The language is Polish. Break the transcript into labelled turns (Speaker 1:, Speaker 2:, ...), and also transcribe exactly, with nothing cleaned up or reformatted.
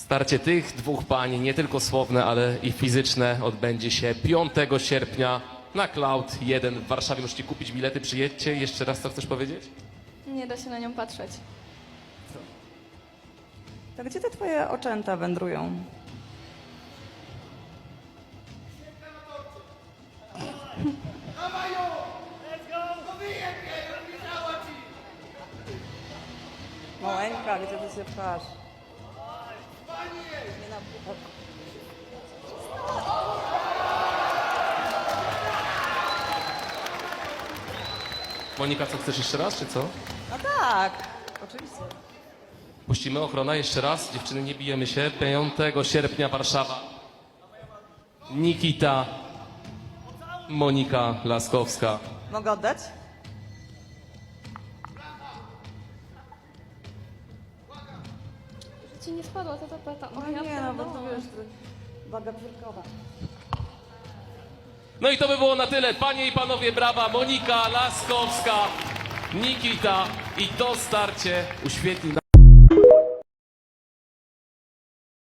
Speaker 1: Starcie tych dwóch pań, nie tylko słowne, ale i fizyczne, odbędzie się piątego sierpnia na Cloud jeden w Warszawie. Możecie kupić bilety, przyjedźcie. Jeszcze raz co chcesz powiedzieć?
Speaker 2: Nie da się na nią patrzeć.
Speaker 3: To gdzie te twoje oczęta wędrują? Maleńka, widzę, że się pchasz. Nie na puchar.
Speaker 1: Monika, co chcesz jeszcze raz, czy co?
Speaker 3: No tak, oczywiście.
Speaker 1: Puścimy ochrona jeszcze raz. Dziewczyny, nie bijemy się. piątego sierpnia Warszawa. Nikita, Monika Laskowska.
Speaker 3: Mogę oddać?
Speaker 2: Że ci nie spadła ta tapeta. O,
Speaker 3: No
Speaker 2: ja
Speaker 3: nie, no bo to
Speaker 2: pierdolę.
Speaker 3: wiesz, to waga brzuchowa.
Speaker 1: No i to by było na tyle. Panie i panowie, brawa. Monika Laskowska, Nikita i to starcie uświetli